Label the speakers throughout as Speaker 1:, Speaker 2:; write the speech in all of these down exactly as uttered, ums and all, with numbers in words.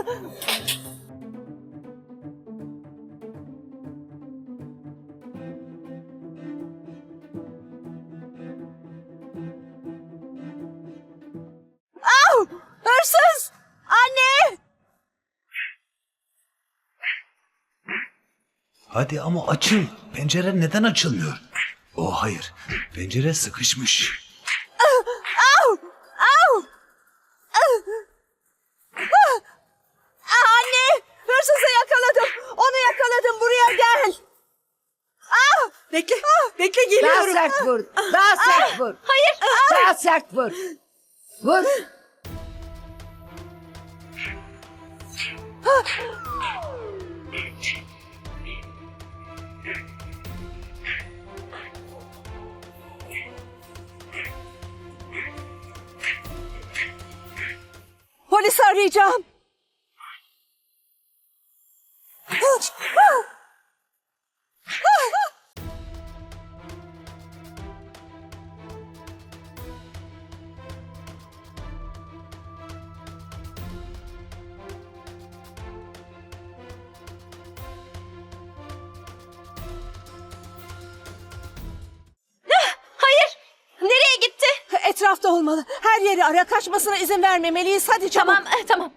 Speaker 1: Au! Hırsız! Anne!
Speaker 2: Hadi ama açıl. Pencere neden açılmıyor? Oh hayır. Pencere sıkışmış.
Speaker 1: Au! Au! Anne! Hırsızı yakaladım. Onu yakaladım. Buraya gel. Ah!
Speaker 3: Bekle, bekle
Speaker 4: Daha
Speaker 3: geliyorum.
Speaker 4: sert vur. Daha sert vur.
Speaker 1: Hayır.
Speaker 4: Daha sert vur. Vur.
Speaker 1: Polisi arayacağım.
Speaker 5: Hayır. Nereye gitti?
Speaker 1: Etrafta olmalı. Her yeri ara, kaçmasına izin vermemeliyiz. Hadi çabuk.
Speaker 5: Tamam, eh, tamam.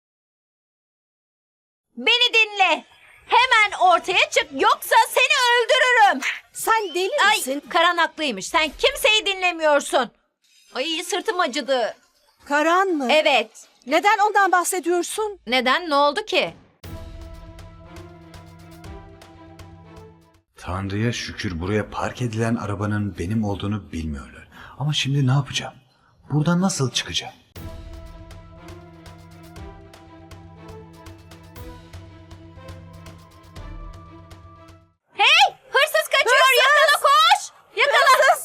Speaker 5: Beni dinle. Hemen ortaya çık yoksa seni öldürürüm.
Speaker 1: Sen deli
Speaker 5: Ay,
Speaker 1: misin?
Speaker 5: Karan haklıymış. Sen kimseyi dinlemiyorsun. Ay, sırtım acıdı.
Speaker 1: Karan mı?
Speaker 5: Evet.
Speaker 1: Neden ondan bahsediyorsun?
Speaker 5: Neden? Ne oldu ki?
Speaker 2: Tanrı'ya şükür buraya park edilen arabanın benim olduğunu bilmiyorlar. Ama şimdi ne yapacağım? Buradan nasıl çıkacağım?
Speaker 5: Hey! Hırsız kaçıyor. Yakala, koş. Yakala.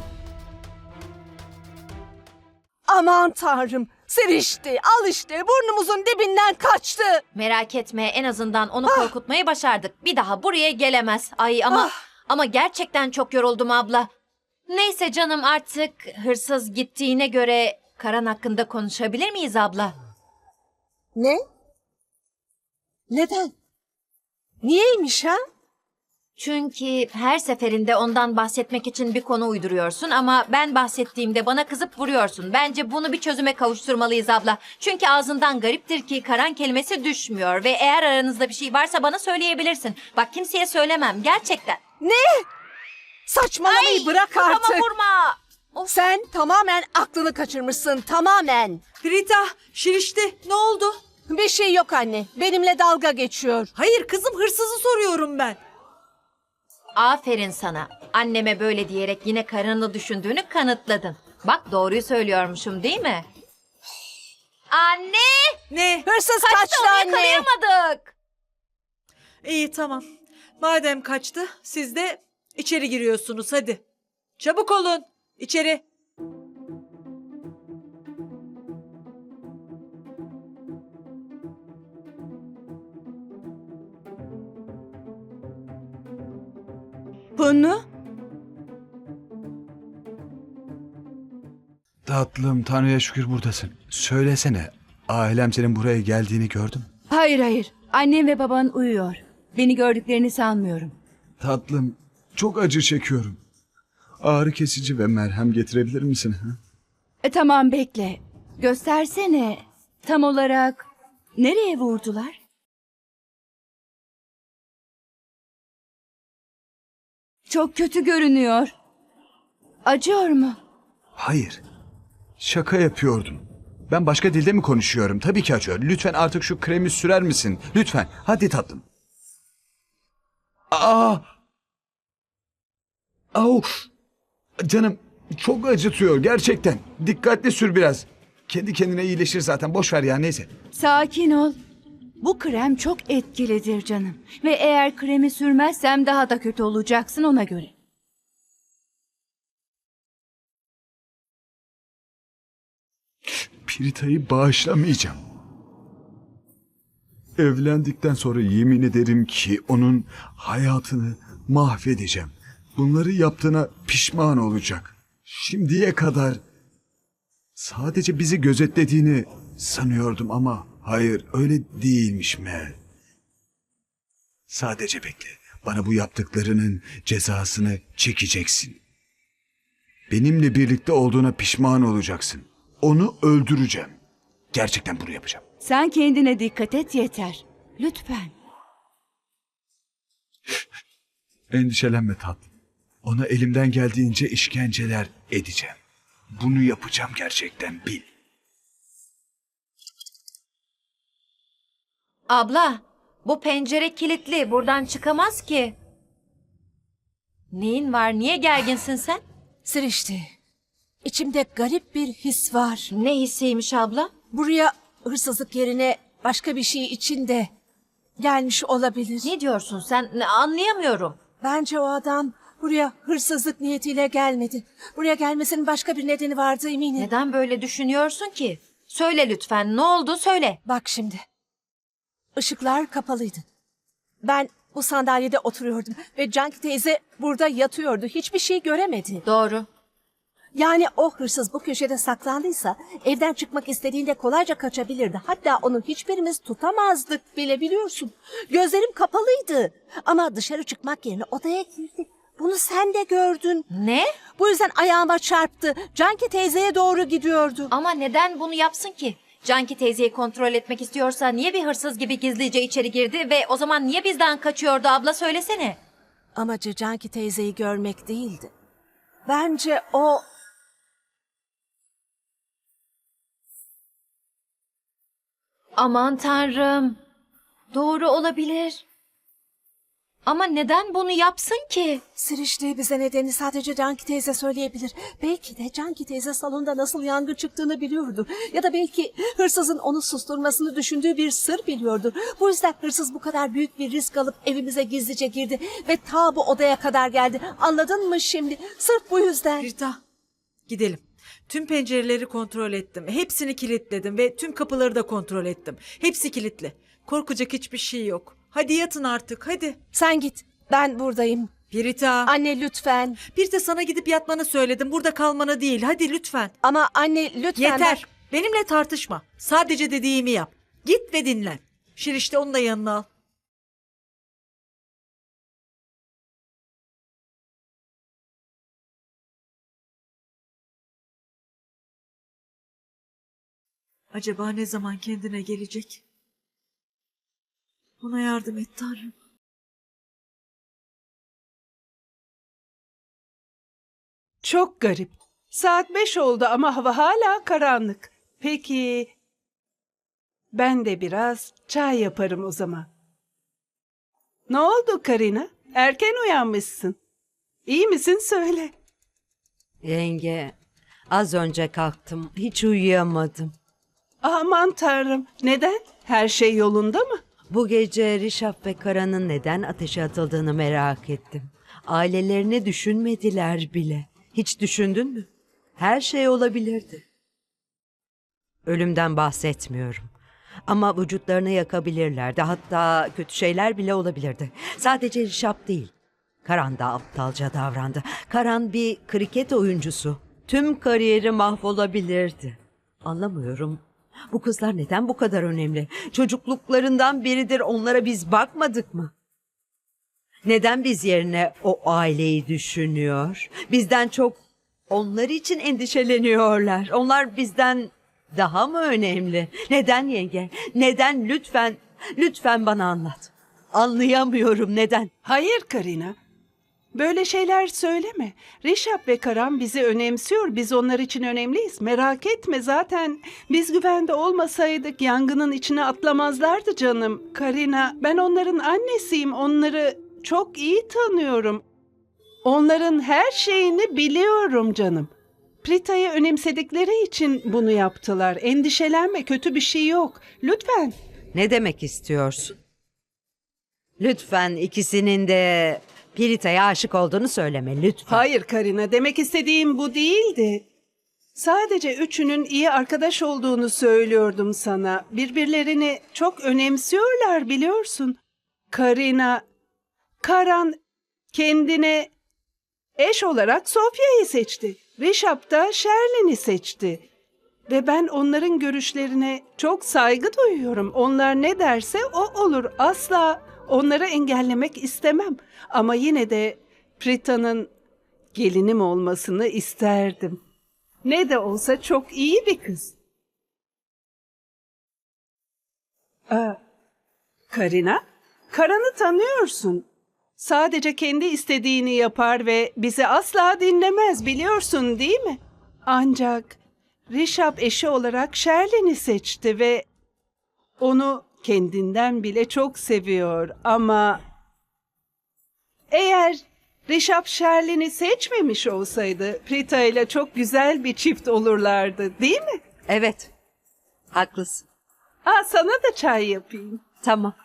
Speaker 1: Aman tanrım. Sirişti. Al işte. Burnumuzun dibinden kaçtı.
Speaker 5: Merak etme, en azından onu korkutmayı başardık. Bir daha buraya gelemez. Ay ama ama gerçekten çok yoruldum abla. Neyse canım, artık hırsız gittiğine göre Karan hakkında konuşabilir miyiz abla?
Speaker 1: Ne? Neden? Niyeymiş ha?
Speaker 5: Çünkü her seferinde ondan bahsetmek için bir konu uyduruyorsun ama ben bahsettiğimde bana kızıp vuruyorsun. Bence bunu bir çözüme kavuşturmalıyız abla. Çünkü ağzından gariptir ki Karan kelimesi düşmüyor ve eğer aranızda bir şey varsa bana söyleyebilirsin. Bak, kimseye söylemem gerçekten.
Speaker 1: Ne? Saçmalamayı bırak
Speaker 5: kafama
Speaker 1: artık.
Speaker 5: vurma. Of.
Speaker 1: Sen tamamen aklını kaçırmışsın. Tamamen.
Speaker 3: Rita, Şirişti, ne oldu?
Speaker 1: Bir şey yok anne. Benimle dalga geçiyor.
Speaker 3: Hayır kızım, hırsızı soruyorum ben.
Speaker 5: Aferin sana. Anneme böyle diyerek yine karını düşündüğünü kanıtladın. Bak, doğruyu söylüyormuşum değil mi? Anne!
Speaker 3: Ne?
Speaker 1: Hırsız
Speaker 5: Kaçtı,
Speaker 1: kaçtı
Speaker 5: onu
Speaker 1: anne.
Speaker 5: yakalayamadık.
Speaker 3: İyi tamam. Madem kaçtı, siz de içeri giriyorsunuz hadi. Çabuk olun, içeri.
Speaker 1: Bunu?
Speaker 2: Tatlım, Tanrı'ya şükür buradasın. Söylesene, ailem senin buraya geldiğini gördüm.
Speaker 6: Hayır hayır. Annem ve baban uyuyor. Beni gördüklerini sanmıyorum.
Speaker 2: Tatlım, çok acı çekiyorum. Ağrı kesici ve merhem getirebilir misin? Ha?
Speaker 6: E, tamam bekle. Göstersene. Tam olarak nereye vurdular? Çok kötü görünüyor. Acıyor mu?
Speaker 2: Hayır, şaka yapıyordum. Ben başka dilde mi konuşuyorum? Tabii ki acıyor. Lütfen artık şu kremi sürer misin? Lütfen, hadi tatlım. Aa! Au! Canım, çok acıtıyor gerçekten. Dikkatli sür biraz. Kendi kendine iyileşir zaten. Boş ver ya, neyse.
Speaker 6: Sakin ol. Bu krem çok etkilidir canım. Ve eğer kremi sürmezsem daha da kötü olacaksın, ona göre.
Speaker 2: Pirita'yı bağışlamayacağım. Evlendikten sonra yemin ederim ki onun hayatını mahvedeceğim. Bunları yaptığına pişman olacak. Şimdiye kadar sadece bizi gözetlediğini sanıyordum ama Hayır, öyle değilmiş Mel. Sadece bekle. Bana bu yaptıklarının cezasını çekeceksin. Benimle birlikte olduğuna pişman olacaksın. Onu öldüreceğim. Gerçekten bunu yapacağım.
Speaker 6: Sen kendine dikkat et yeter. Lütfen.
Speaker 2: Endişelenme tatlım. Ona elimden geldiğince işkenceler edeceğim. Bunu yapacağım gerçekten, bil.
Speaker 5: Abla, bu pencere kilitli. Buradan çıkamaz ki. Neyin var? Niye gerginsin sen?
Speaker 1: Sirişti. İçimde garip bir his var.
Speaker 5: Ne hissiymiş abla?
Speaker 1: Buraya hırsızlık yerine başka bir şey için de gelmiş olabilir.
Speaker 5: Ne diyorsun sen? Ne- Anlayamıyorum.
Speaker 1: Bence o adam buraya hırsızlık niyetiyle gelmedi. Buraya gelmesinin başka bir nedeni vardı eminim.
Speaker 5: Neden böyle düşünüyorsun ki? Söyle lütfen. Ne oldu? Söyle.
Speaker 1: Bak şimdi. Işıklar kapalıydı. Ben bu sandalyede oturuyordum ve Canki teyze burada yatıyordu. Hiçbir şey göremedi.
Speaker 5: Doğru.
Speaker 1: Yani o hırsız bu köşede saklandıysa evden çıkmak istediğinde kolayca kaçabilirdi. Hatta onu hiçbirimiz tutamazdık bile, biliyorsun. Gözlerim kapalıydı ama dışarı çıkmak yerine odaya girdi. Bunu sen de gördün.
Speaker 5: Ne?
Speaker 1: Bu yüzden ayağıma çarptı. Canki teyzeye doğru gidiyordu.
Speaker 5: Ama neden bunu yapsın ki? Canki teyzeyi kontrol etmek istiyorsa niye bir hırsız gibi gizlice içeri girdi ve o zaman niye bizden kaçıyordu abla, söylesene.
Speaker 1: Amacı Canki teyzeyi görmek değildi. Bence o...
Speaker 5: Aman tanrım. Doğru olabilir. Ama neden bunu yapsın ki?
Speaker 1: Sirişti bize nedeni sadece Canki teyze söyleyebilir. Belki de Canki teyze salonda nasıl yangın çıktığını biliyordu. Ya da belki hırsızın onu susturmasını düşündüğü bir sır biliyordu. Bu yüzden hırsız bu kadar büyük bir risk alıp evimize gizlice girdi ve ta bu odaya kadar geldi. Anladın mı şimdi? Sırf bu yüzden.
Speaker 3: Rita, gidelim. Tüm pencereleri kontrol ettim. Hepsini kilitledim ve tüm kapıları da kontrol ettim. Hepsi kilitli. Korkacak hiçbir şey yok. Hadi yatın artık, hadi.
Speaker 1: Sen git. Ben buradayım.
Speaker 3: Pirita.
Speaker 1: Anne lütfen.
Speaker 3: Bir de sana gidip yatmanı söyledim. Burada kalmanı değil. Hadi lütfen.
Speaker 1: Ama anne lütfen.
Speaker 3: Yeter.
Speaker 1: bak-
Speaker 3: Benimle tartışma. Sadece dediğimi yap. Git ve dinlen. Şirişte onu da yanına al. Acaba ne zaman kendine gelecek? Ona yardım et Tanrım.
Speaker 7: Çok garip. Saat beş oldu ama hava hala karanlık. Peki, ben de biraz çay yaparım o zaman. Ne oldu Karina? Erken uyanmışsın. İyi misin söyle.
Speaker 4: Yenge, az önce kalktım. Hiç uyuyamadım.
Speaker 7: Aman tanrım. Neden? Her şey yolunda mı?
Speaker 4: Bu gece Rişap ve Karan'ın neden ateşe atıldığını merak ettim. Ailelerini düşünmediler bile. Hiç düşündün mü? Her şey olabilirdi. Ölümden bahsetmiyorum. Ama vücutlarını yakabilirlerdi. Hatta kötü şeyler bile olabilirdi. Sadece Rişap değil. Karan da aptalca davrandı. Karan bir kriket oyuncusu. Tüm kariyeri mahvolabilirdi. Anlamıyorum. Bu kızlar neden bu kadar önemli? Çocukluklarından beridir onlara biz bakmadık mı? Neden biz yerine o aileyi düşünüyor? Bizden çok onlar için endişeleniyorlar. Onlar bizden daha mı önemli? Neden yenge? Neden? Lütfen, lütfen bana anlat. Anlayamıyorum neden?
Speaker 7: Hayır Karina. Böyle şeyler söyleme. Rişap ve Karan bizi önemsiyor. Biz onlar için önemliyiz. Merak etme, zaten biz güvende olmasaydık yangının içine atlamazlardı canım. Karina, ben onların annesiyim. Onları çok iyi tanıyorum. Onların her şeyini biliyorum canım. Prita'yı önemsedikleri için bunu yaptılar. Endişelenme, kötü bir şey yok. Lütfen.
Speaker 4: Ne demek istiyorsun? Lütfen ikisinin de Pirita'ya aşık olduğunu söyleme lütfen.
Speaker 7: Hayır Karina, demek istediğim bu değildi. Sadece üçünün iyi arkadaş olduğunu söylüyordum sana. Birbirlerini çok önemsiyorlar biliyorsun. Karina, Karan kendine eş olarak Sofya'yı seçti. Rişap da Sherlin'i seçti. Ve ben onların görüşlerine çok saygı duyuyorum. Onlar ne derse o olur. Asla onları engellemek istemem. Ama yine de Prita'nın gelinim olmasını isterdim. Ne de olsa çok iyi bir kız. Aa, Karina, Karan'ı tanıyorsun. Sadece kendi istediğini yapar ve bizi asla dinlemez, biliyorsun değil mi? Ancak Rişap eşi olarak Sherlin'i seçti ve onu kendinden bile çok seviyor. Ama eğer Rişap Sherlin'i seçmemiş olsaydı Prita ile çok güzel bir çift olurlardı, değil mi?
Speaker 4: Evet, haklısın.
Speaker 7: Aa, sana da çay yapayım.
Speaker 4: Tamam.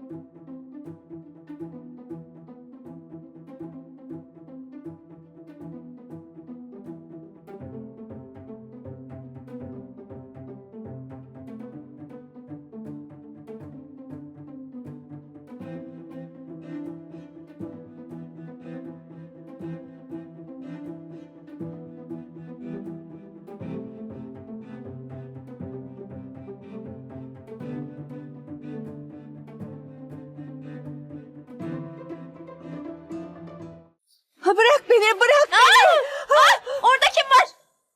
Speaker 1: Ha, bırak beni, bırak beni.
Speaker 5: Orada kim var?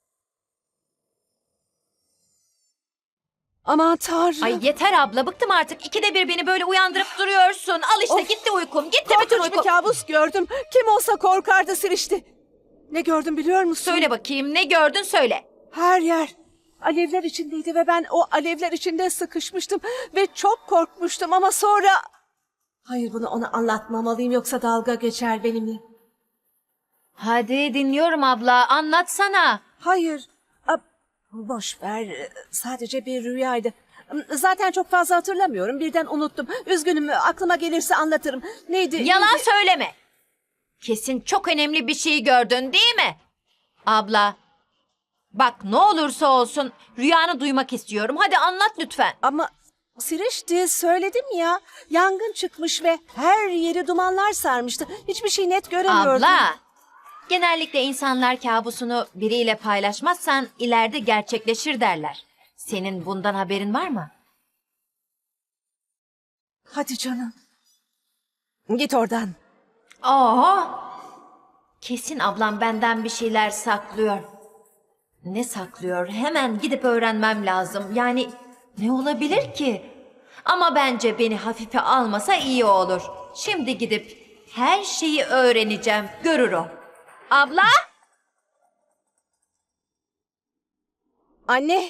Speaker 1: Aman Tanrım.
Speaker 5: Ay yeter abla, bıktım artık. İkide bir beni böyle uyandırıp duruyorsun. Al işte,
Speaker 1: Of.
Speaker 5: gitti uykum. Gitti bütün
Speaker 1: Korkunç
Speaker 5: uykum.
Speaker 1: bir kabus gördüm. Kim olsa korkardı Sirişti. Ne gördüm biliyor musun?
Speaker 5: Söyle bakayım, ne gördün söyle.
Speaker 1: Her yer alevler içindeydi ve ben o alevler içinde sıkışmıştım ve çok korkmuştum ama sonra... Hayır, bunu ona anlatmamalıyım yoksa dalga geçer benimle.
Speaker 5: Hadi dinliyorum abla, anlatsana.
Speaker 1: Hayır, a, boş ver, sadece bir rüyaydı. Zaten çok fazla hatırlamıyorum, birden unuttum. Üzgünüm, aklıma gelirse anlatırım. Neydi?
Speaker 5: Yalan
Speaker 1: neydi?
Speaker 5: söyleme. Kesin çok önemli bir şey gördün değil mi? Abla, bak ne olursa olsun rüyanı duymak istiyorum. Hadi anlat lütfen.
Speaker 1: Ama Sirişti, söyledim ya. Yangın çıkmış ve her yeri dumanlar sarmıştı. Hiçbir şey net göremiyordum.
Speaker 5: Abla, genellikle insanlar kabusunu biriyle paylaşmazsan ileride gerçekleşir derler. Senin bundan haberin var mı?
Speaker 1: Hadi canım. Git oradan.
Speaker 5: Aa, kesin ablam benden bir şeyler saklıyor. Ne saklıyor? Hemen gidip öğrenmem lazım. Yani ne olabilir ki? Ama bence beni hafife almasa iyi olur. Şimdi gidip her şeyi öğreneceğim. Görür o. Abla?
Speaker 1: Anne.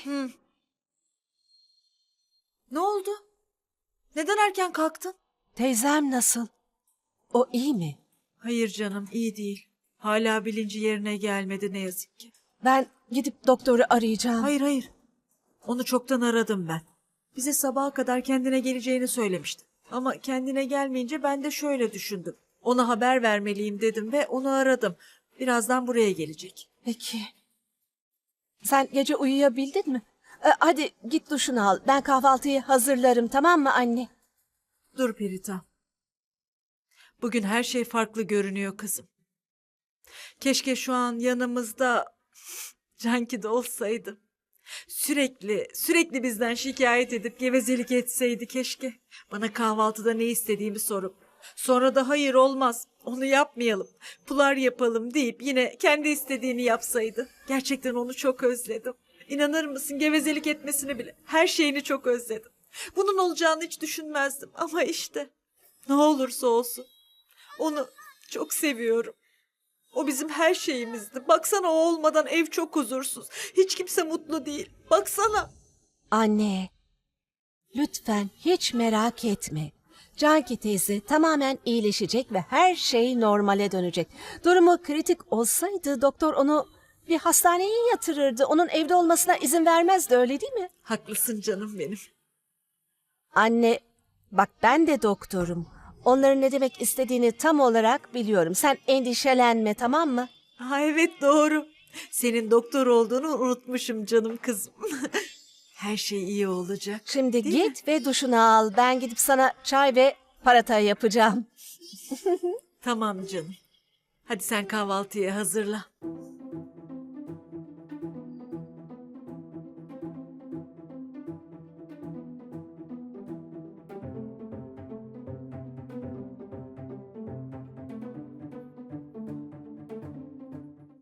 Speaker 3: Ne oldu? Neden erken kalktın?
Speaker 1: Teyzem nasıl? O iyi mi?
Speaker 3: Hayır canım, iyi değil. Hala bilinci yerine gelmedi ne yazık ki.
Speaker 1: Ben gidip doktoru arayacağım.
Speaker 3: Hayır hayır. Onu çoktan aradım ben. Bize sabaha kadar kendine geleceğini söylemişti. Ama kendine gelmeyince ben de şöyle düşündüm. Ona haber vermeliyim dedim ve onu aradım. Birazdan buraya gelecek.
Speaker 1: Peki. Sen gece uyuyabildin mi? Ee, hadi git duşunu al. Ben kahvaltıyı hazırlarım, tamam mı anne?
Speaker 3: Dur Perita. Bugün her şey farklı görünüyor kızım. Keşke şu an yanımızda Canki de olsaydı. Sürekli, sürekli bizden şikayet edip gevezelik etseydi keşke. Bana kahvaltıda ne istediğimi sorup, sonra da hayır olmaz, onu yapmayalım, pular yapalım deyip yine kendi istediğini yapsaydı. Gerçekten onu çok özledim. İnanır mısın, gevezelik etmesini bile, her şeyini çok özledim. Bunun olacağını hiç düşünmezdim ama işte ne olursa olsun onu çok seviyorum. O bizim her şeyimizdi. Baksana, o olmadan ev çok huzursuz. Hiç kimse mutlu değil. Baksana.
Speaker 1: Anne, lütfen hiç merak etme. Canki teyze tamamen iyileşecek ve her şey normale dönecek. Durumu kritik olsaydı doktor onu bir hastaneye yatırırdı. Onun evde olmasına izin vermezdi, öyle değil mi?
Speaker 3: Haklısın canım benim.
Speaker 1: Anne, bak ben de doktorum. Onların ne demek istediğini tam olarak biliyorum. Sen endişelenme, tamam mı?
Speaker 3: Ha evet, doğru. Senin doktor olduğunu unutmuşum canım kızım. Her şey iyi olacak.
Speaker 1: Şimdi
Speaker 3: Değil
Speaker 1: git ve duşunu al. Ben gidip sana çay ve paratay yapacağım.
Speaker 3: Tamam canım. Hadi sen kahvaltıyı hazırla.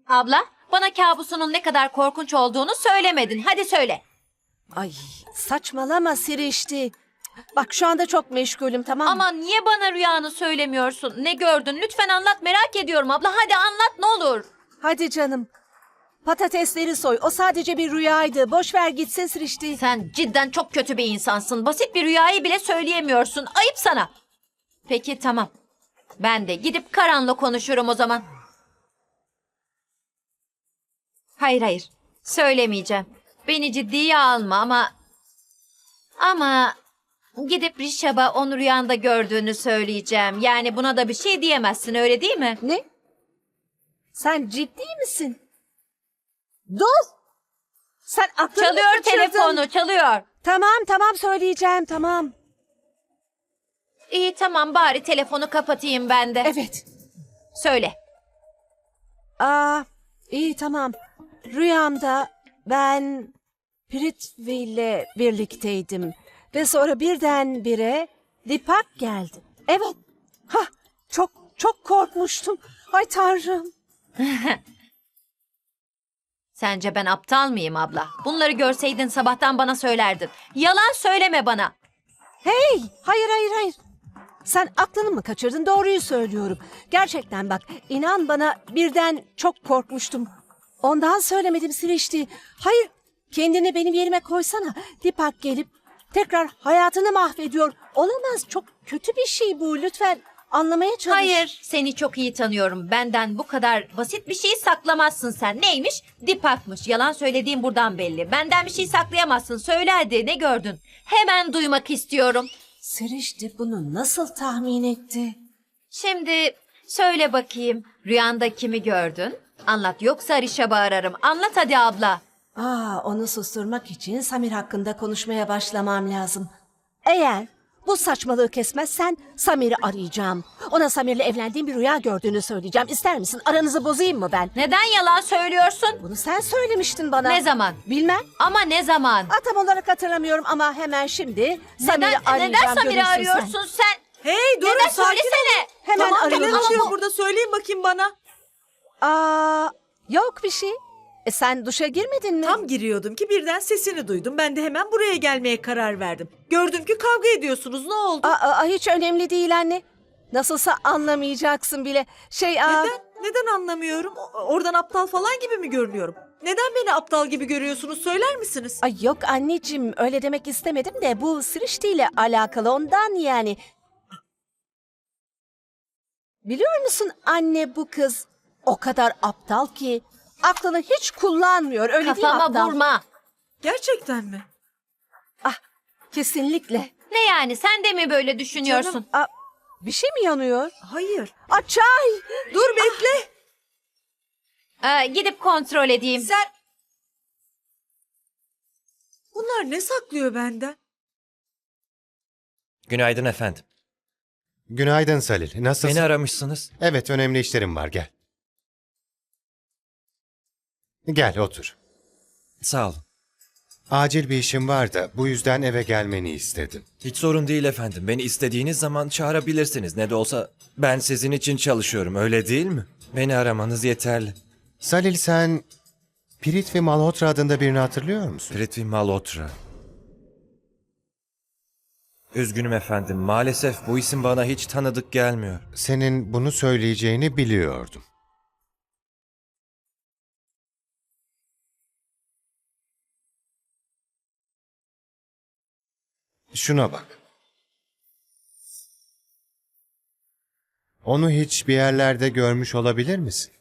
Speaker 5: Abla, bana kabusunun ne kadar korkunç olduğunu söylemedin. Hadi söyle.
Speaker 1: Ay saçmalama Sirişti. Bak şu anda çok meşgulüm, tamam mı?
Speaker 5: Ama niye bana rüyanı söylemiyorsun? Ne gördün? Lütfen anlat, merak ediyorum abla. Hadi anlat ne olur.
Speaker 1: Hadi canım. Patatesleri soy. O sadece bir rüyaydı. Boş ver gitsin Sirişti.
Speaker 5: Sen cidden çok kötü bir insansın. Basit bir rüyayı bile söyleyemiyorsun. Ayıp sana. Peki tamam. Ben de gidip Karan'la konuşurum o zaman. Hayır hayır. Söylemeyeceğim. Beni ciddiye alma ama... Ama... Gidip Rişab'a onu rüyanda gördüğünü söyleyeceğim. Yani buna da bir şey diyemezsin, öyle değil mi?
Speaker 1: Ne? Sen ciddi misin? Dur! Sen aklını mı
Speaker 5: Çalıyor
Speaker 1: kaçırdın?
Speaker 5: telefonu, çalıyor.
Speaker 1: Tamam tamam söyleyeceğim, tamam.
Speaker 5: İyi tamam, bari telefonu kapatayım ben de.
Speaker 1: Evet.
Speaker 5: Söyle.
Speaker 1: Aa, iyi tamam. Rüyamda ben Prithvi ile birlikteydim. Ve sonra birdenbire Dipak geldi. Evet. Ha, çok çok korkmuştum. Ay Tanrım.
Speaker 5: Sence ben aptal mıyım abla? Bunları görseydin sabahtan bana söylerdin. Yalan söyleme bana.
Speaker 1: Hey, hayır hayır hayır. Sen aklını mı kaçırdın? Doğruyu söylüyorum. Gerçekten bak, inan bana birden çok korkmuştum. Ondan söylemedim Sirişti. Hayır, kendini benim yerime koysana. Dipak gelip tekrar hayatını mahvediyor. Olamaz, çok kötü bir şey bu. Lütfen anlamaya çalış.
Speaker 5: Hayır, seni çok iyi tanıyorum. Benden bu kadar basit bir şeyi saklamazsın sen. Neymiş? Dipakmış. Yalan söylediğim buradan belli. Benden bir şey saklayamazsın. Söyle hadi, ne gördün? Hemen duymak istiyorum.
Speaker 1: Sirişti bunu nasıl tahmin etti?
Speaker 5: Şimdi söyle bakayım. Rüyanda kimi gördün? Anlat, yoksa Rişab'ı ararım. Anlat hadi abla.
Speaker 1: Aa, onu susturmak için Samir hakkında konuşmaya başlamam lazım. Eğer bu saçmalığı kesmezsen Samir'i arayacağım. Ona Samir'le evlendiğim bir rüya gördüğünü söyleyeceğim. İster misin? Aranızı bozayım mı ben?
Speaker 5: Neden yalan söylüyorsun?
Speaker 1: Bunu sen söylemiştin bana.
Speaker 5: Ne zaman?
Speaker 1: Bilmem.
Speaker 5: Ama ne zaman?
Speaker 1: Aa, tam olarak hatırlamıyorum ama hemen şimdi Samir'i
Speaker 5: Neden,
Speaker 1: arayacağım.
Speaker 5: neden Samir'i
Speaker 1: görürsün
Speaker 5: arıyorsun sen?
Speaker 3: Hey durun,
Speaker 5: Neden
Speaker 3: sakin olun.
Speaker 5: söylesene?
Speaker 1: Hemen
Speaker 3: Tamam,
Speaker 1: arıyorum.
Speaker 3: neler
Speaker 1: Ama
Speaker 3: oluyor
Speaker 1: bu-
Speaker 3: burada, söyleyin bakayım bana.
Speaker 1: Aa, yok bir şey. E, sen duşa girmedin mi?
Speaker 3: Tam giriyordum ki birden sesini duydum. Ben de hemen buraya gelmeye karar verdim. Gördüm ki kavga ediyorsunuz. Ne oldu?
Speaker 1: Aa, aa, hiç önemli değil anne. Nasılsa anlamayacaksın bile. Şey, aa,
Speaker 3: Neden? Neden anlamıyorum? O- Oradan aptal falan gibi mi görünüyorum? Neden beni aptal gibi görüyorsunuz, söyler misiniz?
Speaker 1: Ay yok anneciğim, öyle demek istemedim de bu Sirişti ile alakalı, ondan yani. Biliyor musun anne, bu kız o kadar aptal ki aklını hiç kullanmıyor, öyle değil mi
Speaker 5: Kafama
Speaker 1: aptal?
Speaker 5: vurma.
Speaker 3: Gerçekten mi?
Speaker 1: Ah, kesinlikle.
Speaker 5: Ne yani, sen de mi böyle düşünüyorsun?
Speaker 3: Canım.
Speaker 1: Aa, bir şey mi yanıyor?
Speaker 3: Hayır.
Speaker 1: Aa, çay!
Speaker 3: Dur bekle.
Speaker 5: Ee, gidip kontrol edeyim.
Speaker 3: Sen... Bunlar ne saklıyor benden?
Speaker 8: Günaydın efendim.
Speaker 9: Günaydın Salil. Nasılsın?
Speaker 8: Beni aramışsınız.
Speaker 9: Evet, önemli işlerim var. Gel. Gel, otur.
Speaker 8: Sağ olun.
Speaker 9: Acil bir işim var da bu yüzden eve gelmeni istedim.
Speaker 8: Hiç sorun değil efendim. Beni istediğiniz zaman çağırabilirsiniz. Ne de olsa ben sizin için çalışıyorum, öyle değil mi? Beni aramanız yeterli.
Speaker 9: Salil, sen Prithvi Malhotra adında birini hatırlıyor musun?
Speaker 8: Prithvi Malhotra. Üzgünüm efendim. Maalesef bu isim bana hiç tanıdık gelmiyor.
Speaker 9: Senin bunu söyleyeceğini biliyordum. Şuna bak. Onu hiç bir yerlerde görmüş olabilir misin?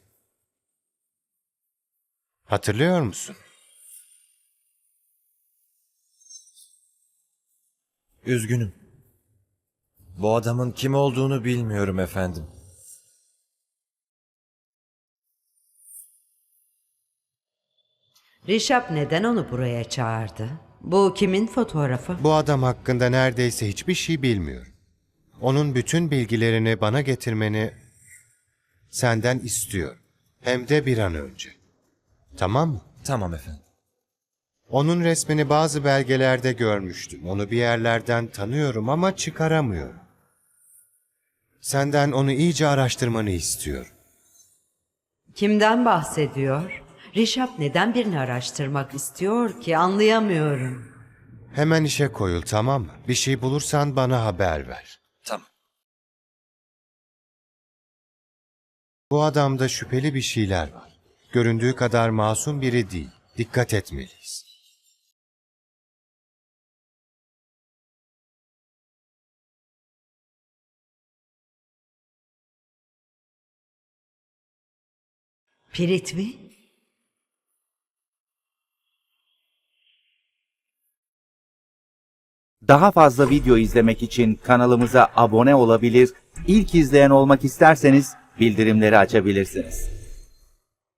Speaker 9: Hatırlıyor musun?
Speaker 8: Üzgünüm. Bu adamın kim olduğunu bilmiyorum efendim.
Speaker 4: Rişap neden onu buraya çağırdı? Bu kimin fotoğrafı?
Speaker 9: Bu adam hakkında neredeyse hiçbir şey bilmiyorum. Onun bütün bilgilerini bana getirmeni senden istiyor. Hem de bir an önce. Tamam mı?
Speaker 8: Tamam efendim.
Speaker 9: Onun resmini bazı belgelerde görmüştüm. Onu bir yerlerden tanıyorum ama çıkaramıyorum. Senden onu iyice araştırmanı istiyorum.
Speaker 4: Kimden bahsediyor? Rişap neden birini araştırmak istiyor ki anlayamıyorum.
Speaker 9: Hemen işe koyul, tamam mı? Bir şey bulursan bana haber ver.
Speaker 8: Tamam.
Speaker 9: Bu adamda şüpheli bir şeyler var. Göründüğü kadar masum biri değil. Dikkat etmeliyiz.
Speaker 4: Piritvi?
Speaker 10: Daha fazla video izlemek için kanalımıza abone olabilir, ilk izleyen olmak isterseniz bildirimleri açabilirsiniz.